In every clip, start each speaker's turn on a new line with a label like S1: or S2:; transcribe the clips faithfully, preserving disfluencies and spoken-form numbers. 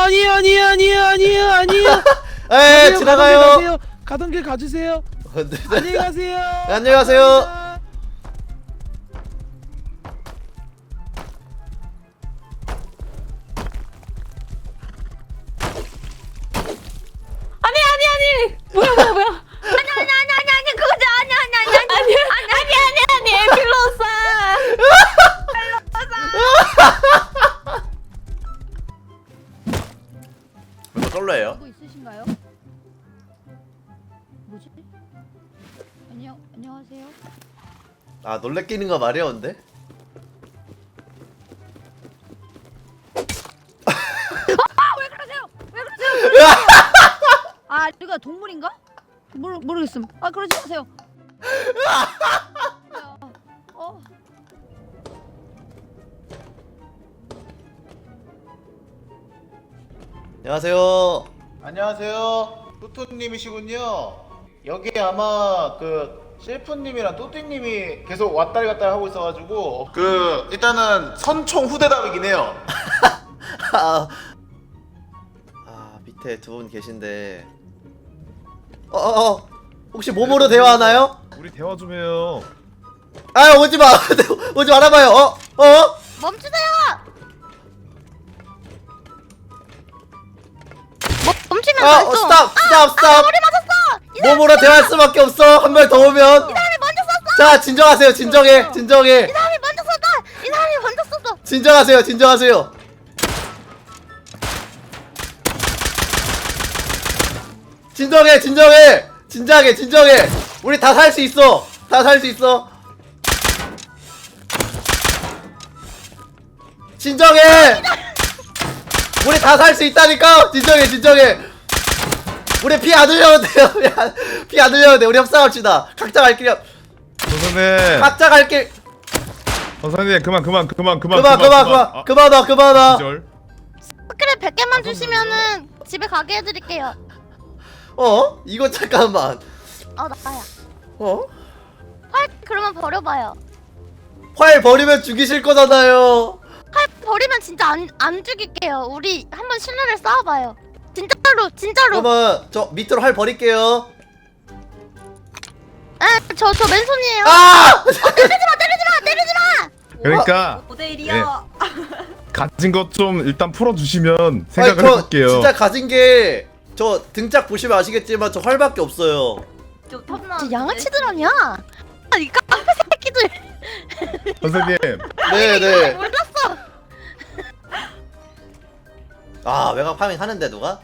S1: 아니에요 아니에요 아니에요 아니에요 아니에요.
S2: 에 지나가요.
S1: 가던 길 가세요. 가던 길 가주세요.
S2: 네,
S1: 안녕히 가세요.
S2: 안녕히 가세요.
S1: 감사합니다.
S3: 아니 아니 아니 뭐야 뭐야 뭐야 아니 아니 아니 아니 아니 그거지 아니 아니 아니 아니 아니 아니 아니 아니 에필로사
S2: 이거 솔로예요?
S4: 뭐 있으신가요? 뭐지? 안녕 안녕하세요.
S2: 아 놀래키는 거 마려운데?
S4: 왜 그러세요? 왜 그러세요? 아 이거 동물인가? 모르 모르겠음. 아 그러지 마세요. 어.
S2: 안녕하세요.
S5: 안녕하세요. 뚜뚜님이시군요. 여기 아마 그 셰프님이랑 또띠님이 계속 왔다리 갔다리 하고 있어가지고 그 일단은 선총 후대답이긴 해요.
S2: 아, 아 밑에 두 분 계신데. 어어 어, 혹시 몸으로 대화하나요?
S6: 우리 대화 좀 해요.
S2: 아 오지 마. 오지 말아봐요. 어 어?
S3: 멈추세요 멈 멈추면
S2: 아
S3: 안
S2: 어,
S3: 써.
S2: 스탑 스탑 스탑.
S3: 머리 맞았어
S2: 몸으로 대화할 수밖에 없어. 한 명 더 오면.
S3: 이 사람이 먼저 썼어
S2: 자 진정하세요. 진정해. 진정해.
S3: 이 사람이 먼저 썼어 이 사람이 먼저 썼어
S2: 진정하세요. 진정하세요. 진정해. 진정해. 진정해. 진정해. 우리 다 살 수 있어. 다 살 수 있어. 진정해. 우리 다 살 수 있다니까. 진정해. 진정해. 우리 피 안 흘려도 돼요. 피 안 흘려도 돼. 우리 협상합시다. 각자 갈 길.
S6: 선생님.
S2: 각자 갈 길.
S6: 선생님 그만 그만 그만 그만
S2: 그만 그만 그만 그만 와 그만 와.
S6: 기절.
S3: 스크랩 백 개만 주시면은 집에 가게 해드릴게요
S2: 어? 이거 잠깐만.
S3: 어 나야
S2: 어?
S3: 활 그러면 버려봐요
S2: 활 버리면 죽이실 거잖아요.
S3: 활 버리면 진짜 안, 안 죽일게요 우리 한번 신뢰를 쌓아봐요 진짜로 진짜로
S2: 그러면 저 밑으로 활 버릴게요.
S3: 에저 저 맨손이에요
S2: 아!
S3: 때리지마 때리지마 때리지마
S6: 그러니까
S3: 오 대 일이요
S6: 가진 것 좀 일단 풀어주시면
S2: 아니,
S6: 생각을
S2: 저
S6: 해볼게요.
S2: 진짜 가진 게 저 등짝 보시면 아시겠지만 저 활밖에 없어요.
S3: 저 양아치들 아니야 아, 이 깡패 새끼들
S6: 선생님
S2: 네네.
S3: 몰랐어
S2: 아 외곽 파밍 하는데 누가?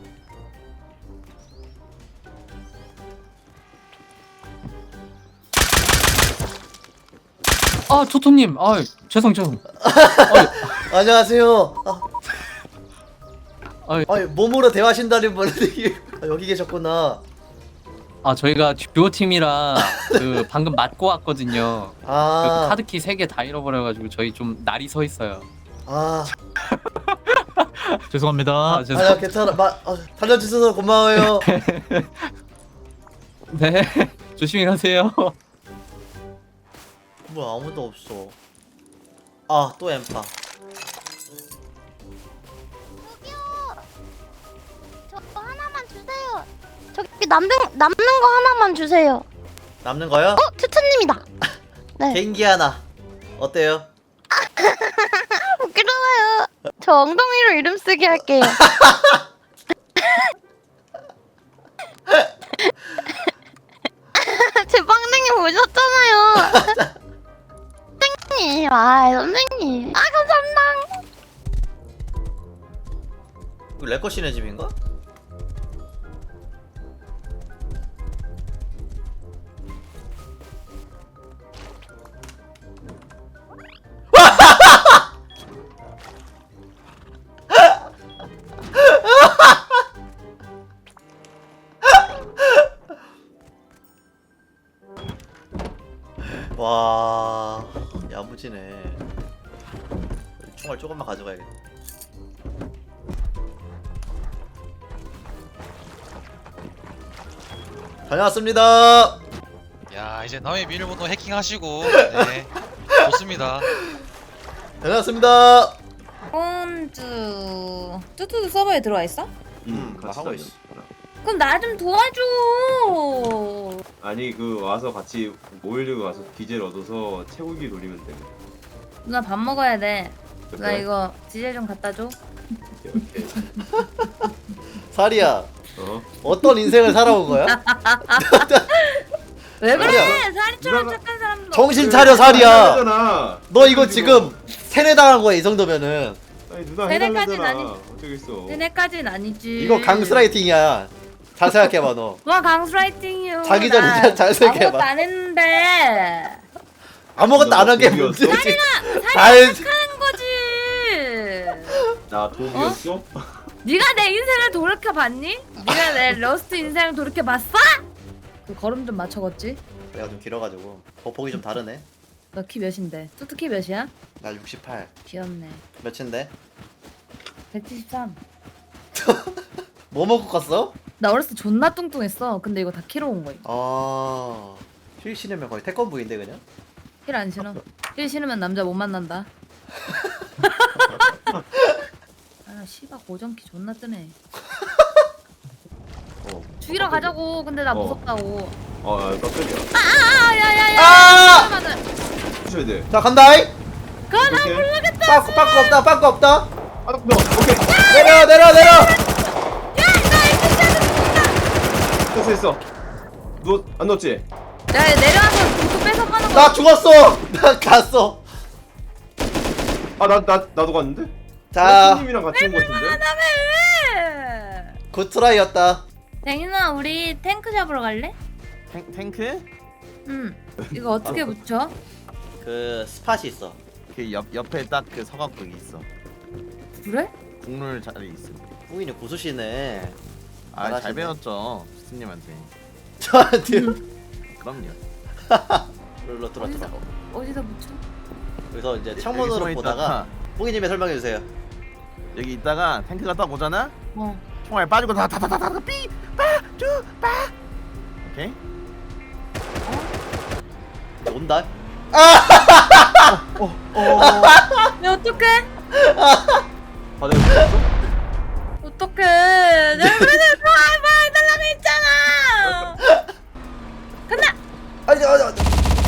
S7: 아 토토님, 아 죄송 죄송.
S2: 안녕하세요. 아,
S7: 아,
S2: 아니 몸으로 대화하신다는 분이 아, 여기 계셨구나.
S7: 아 저희가 듀오 팀이라 그 방금 맞고 왔거든요. 그
S2: 아,
S7: 카드키 세 개 다 잃어버려가지고 저희 좀 날이 서 있어요.
S2: 아,
S1: 죄송합니다.
S7: 아 죄송.
S2: 아니야 괜찮아. 마, 아, 달려주셔서 고마워요.
S7: 네 조심히 가세요.
S2: 뭐야 아무도 없어. 아 또 엠파.
S3: 저 하나만 주세요 저기 남는 남는 거 하나만 주세요
S2: 남는 거요?
S3: 어 투투님이다 네
S2: 개인기 하나. 어때요?
S3: 부끄러워요 저 엉덩이로 이름 쓰기 할게요 제 빵댕이 보셨잖아요 선생님 아 선생님 아 감사합니다
S2: 이거 레커시네 집인가? 와 야무지네. 총알 조금만 가져가야겠다. 다녀왔습니다.
S8: 야 이제 남의 비밀번호 해킹하시고 네 좋습니다.
S2: 다녀왔습니다.
S4: 혼주 뚜뚜도 서버에 들어와 있어?
S2: 음, 나 하고 있어.
S4: 그럼 나 좀 도와줘.
S9: 아니 그 와서 같이 모이려고 와서 디젤 얻어서 채우기 돌리면 돼.
S4: 누나 밥 먹어야 돼. 누나
S9: 그래?
S4: 이거 디젤 좀 갖다 줘.
S9: 오케이, 오케이.
S2: 사리야,
S9: 어?
S2: 어떤 인생을 살아온 거야?
S4: 왜 그래?
S2: 아니야.
S4: 사리처럼
S9: 누나가-
S4: 착한 사람도.
S2: 정신 차려 사리야.
S9: 해달라잖아.
S2: 너 이거 지금 세뇌당한 거야 이 정도면은.
S9: 아니 누나
S4: 세뇌까지는
S9: 해달라잖아.
S4: 아니-
S9: 어쩌겠어.
S4: 세네까지는 아니지.
S2: 이거 강스라이팅이야. 잘 생각해봐 너.
S4: 와 강스라이팅이요.
S2: 자기 전에
S4: 나
S2: 잘- 잘 생각해봐.
S4: 아무것도 안 했는데.
S2: 아무것도 안 한 게
S9: 누나
S2: 문제지.
S9: 독이었어?
S2: 잘
S4: 착한 거지.
S9: 나 독이었어?
S4: 네가 내 인생을 돌이켜 봤니? 네가 내 러스트 인생을 돌이켜 봤어? 그 걸음 좀 맞춰봤지?
S2: 내가 좀 길어가지고 보폭이 좀 다르네.
S4: 너 키 몇인데? 뚜뚜 키 몇이야?
S2: 나 육십팔.
S4: 귀엽네.
S2: 몇인데?
S4: 백칠십삼.
S2: 뭐 먹고 갔어?
S4: 나 어렸을 때 존나 뚱뚱했어. 근데 이거 다 키로 온 거야.
S2: 아, 힐 신으면 거의 태권부인데 그냥.
S4: 힐 안 신어. 힐 신으면 남자 못 만난다. 아, 씨발 고정키 존나 뜨네.
S9: 어.
S4: 죽이러 가자고. 근데 나
S9: 어.
S4: 무섭다고.
S9: 어, 깜짝이야.
S4: 아, 야야야.
S2: 아!
S9: 부셔야 돼.
S2: 자 간다이.
S4: 그나
S9: 오케이.
S4: 모르겠다.
S2: 빠꾸 빠꾸 없다 빠꾸 없다.
S9: 아, 너 오케이.
S2: 내려 내려 내려.
S9: 됐어 됐어. 누워 안 넣었지?
S4: 야, 야 내려와서 도구 뺏어가는 거.
S2: 나 죽었어. 나 갔어.
S9: 아 나 나 나도 갔는데?
S2: 자,
S9: 님이랑 같이 온 거 같은데?
S4: 왜?
S2: 굿트라이였다.
S4: 댕인아, 우리 탱크 잡으러 갈래?
S1: 탱, 탱크?
S4: 응. 이거 어떻게 붙여?
S2: 그 스팟이 있어.
S1: 그 옆, 옆에 딱 그 서각국이 있어.
S4: 그래?
S1: 국룰 자리 있어.
S2: 후이는 고수시네.
S1: 아, 잘
S2: 잘하시네.
S1: 배웠죠. 스님한테.
S2: 저한테
S1: 그럼요.
S2: 룰러 들어 들어.
S4: 어디다 붙여?
S2: 그래서 이제
S1: 여기
S2: 창문으로
S1: 숨어
S2: 보다가
S1: 있다가
S2: 후이님이 설명해 주세요.
S1: 여기 있다가 탱크가 딱 오잖아.
S4: 어.
S1: 총알 빠지고 다다다다다 삐빠쭈빠. 오케이.
S2: 온다.
S4: 야, 어떡해?
S9: 바닥에 붙었어?
S4: 어떡해? 내가 그래서 좋아해 봐달라고 했잖아. 간다.
S2: 아니 아니 아니.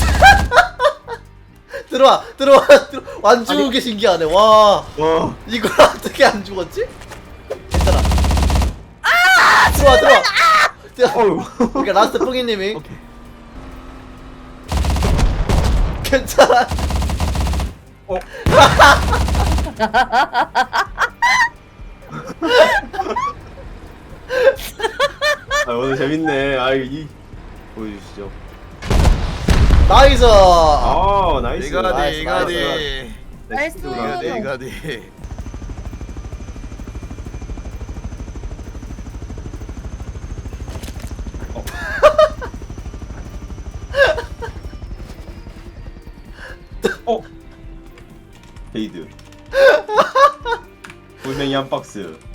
S2: 들어와 들어와 들어. 안 죽은 게 신기하네. 와,
S9: 와.
S2: 이걸 어떻게 안 죽었지? 괜찮아. 아, 들어와 들어와. 들어와.
S9: 어휴.
S2: 그러니까 라스트 뿡이님이
S1: 오케이.
S2: 괜찮아.
S9: 어. 아 오늘 재밌네. 아 이 보여주시죠.
S2: 나이스.
S9: 아 나이스.
S1: 이거디
S2: 나이스,
S1: 이거디.
S4: 나이스.
S1: 이거디 이거디.
S9: 어. 베이드. 돌멩이 한 박스.